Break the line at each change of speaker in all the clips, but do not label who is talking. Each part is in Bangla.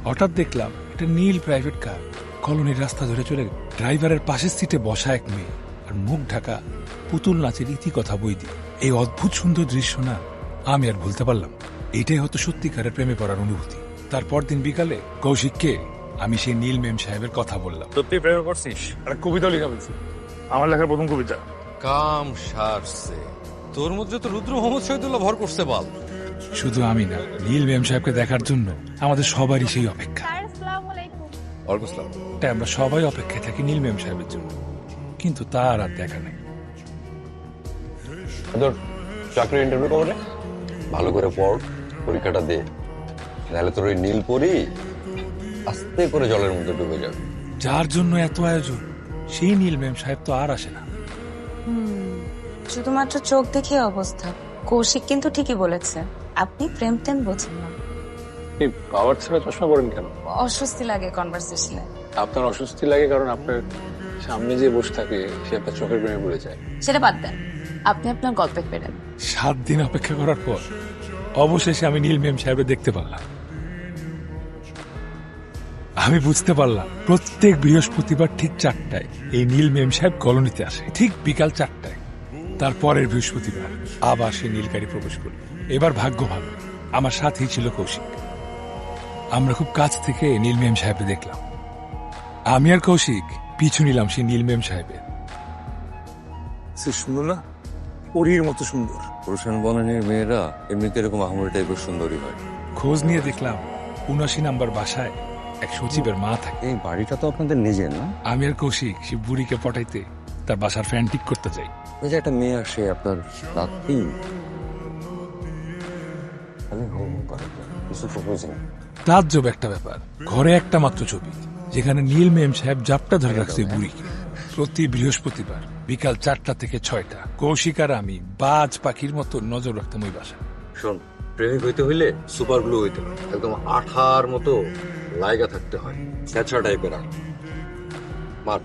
হঠাৎ দেখলাম একটা নীল প্রাইভেট কার কলোনির রাস্তা ধরে চলে গেল। ড্রাইভারের পাশের সিটে বসা এক মেয়ে আর মুখ ঢাকা পুতুল নাচের ইতিকথা বই দিয়ে। এই অদ্ভুত সুন্দর দৃশ্য না আমি আর ভুলতে পারলাম। এটাই হয়তো সত্যিকারের প্রেমে পড়ার অনুভূতি। তারপর দিন বিকালে কৌশিককে আমি সেই নীল মেম সাহেবের কথা বললাম।
সত্যি প্রেমে পড়ছিস?
একটা কবিতা লেখা হয়েছে, আমার লেখার প্রথম কবিতা।
কাম সারছে তোর মধ্যে তো রুদ্র মোহাম্মদ শহীদুল্লাহ ভর করছে বাল।
শুধু আমি না, নীল মেম সাহেবকে দেখার জন্য আমাদের সবারই সেই অপেক্ষা। তাই আমরা সবাই অপেক্ষায় থাকি নীল মেম সাহেবের জন্য, কিন্তু তার আর দেখা নেই।
চাকরির ইন্টারভিউ কবে? ভালো করে পড়, পরীক্ষাটা দে, নাহলে তোর ওই নীল পরি আস্তে করে জলের মধ্যে ডুবে যাবে।
যার জন্য এত আয়োজন সেই নীল মেম সাহেব তো আর আসে না।
শুধুমাত্র চোখ দেখে অবস্থা। কৌশিক কিন্তু ঠিকই বলেছে, আপনি প্রেম টেম বোঝেন না।
এই পাওয়ার ছাড়া চশমা পড়েন কেন?
অস্বস্তি লাগে কনভারসেশনে।
আপনার অস্বস্তি লাগে কারণ আপনার সামনে যে বসে থাকে সে আপনার চোখের প্রেমে পড়ে যায়।
সেটা বাদ দেন, আপনি আপনার গল্পে ফেরেন।
7 দিন অপেক্ষা করার পর অবশেষে আমি নীল মেম সাহেবকে দেখতে পারলাম। আমি বুঝতে পারলাম প্রত্যেক বৃহস্পতিবার ঠিক 4টায় এই নীল মেম সাহেব কলোনিতে আসে, ঠিক বিকাল 4টায়। তারপরের বৃহস্পতিবার আবার সে নীল গাড়ি প্রবেশ করল। এবার ভাগ্য ভালো, আমার সাথেই ছিল কৌশিক। আমরা খুব কাছ থেকে নীল মেম সাহেবকে দেখলাম। আমি আর কৌশিক পিছু নিলাম সেই নীল মেম সাহেবের।
সে সুন্দর না, পরীর মতো সুন্দর।
পুরুষান বনানীর মেয়েরা এমনিতে এরকম আহমরি টাইপের সুন্দরী হয়।
খোঁজ নিয়ে দেখলাম 79 নাম্বার বাসায় এক সচিবের মা থাকে।
এই বাড়িটা তো আপনাদের নিজের না?
আমি আর কৌশিক সে বুড়িকে পটাইতে তার বাসার ফ্যান ঠিক করতে যাই।
ওই যে একটা মেয়ে আসে আপনার রাত্রি, আমি হো হো করে কিছু প্রপোজ না।
তাজ্জব একটা ব্যাপার, ঘরে একটা মাত্র ছবি যেখানে নীল মেম সাহেব জাপটা ধরে রাখছে বুড়িকে। প্রতি বৃহস্পতিবার বিকাল 4টা থেকে 6টা কৌশিক আর আমি বাজ পাখির মতো নজর রাখতাম ওই বাসা।
শোন, প্রেমিক হইতে হইলে সুপার গ্লু হইতে হয়, একদম আঠার মতো লাইগা থাকতে হয়, স্যাঁচড়া টাইপের। মার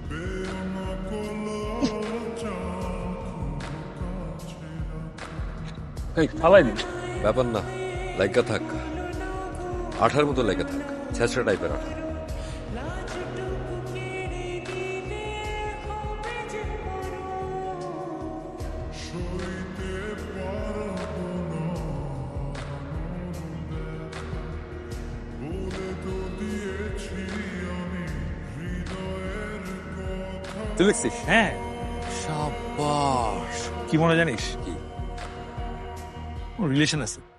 এই ফালাই দিন।
ব্যাপার না, লাইগা থাক, আঠার মতো লাইগা থাক, স্যাঁচড়া টাইপের আঠা।
তুই লিখছিস?
হ্যাঁ,
সাবাস।
কি মনে জানিস?
কি?
রিলেশন আছে।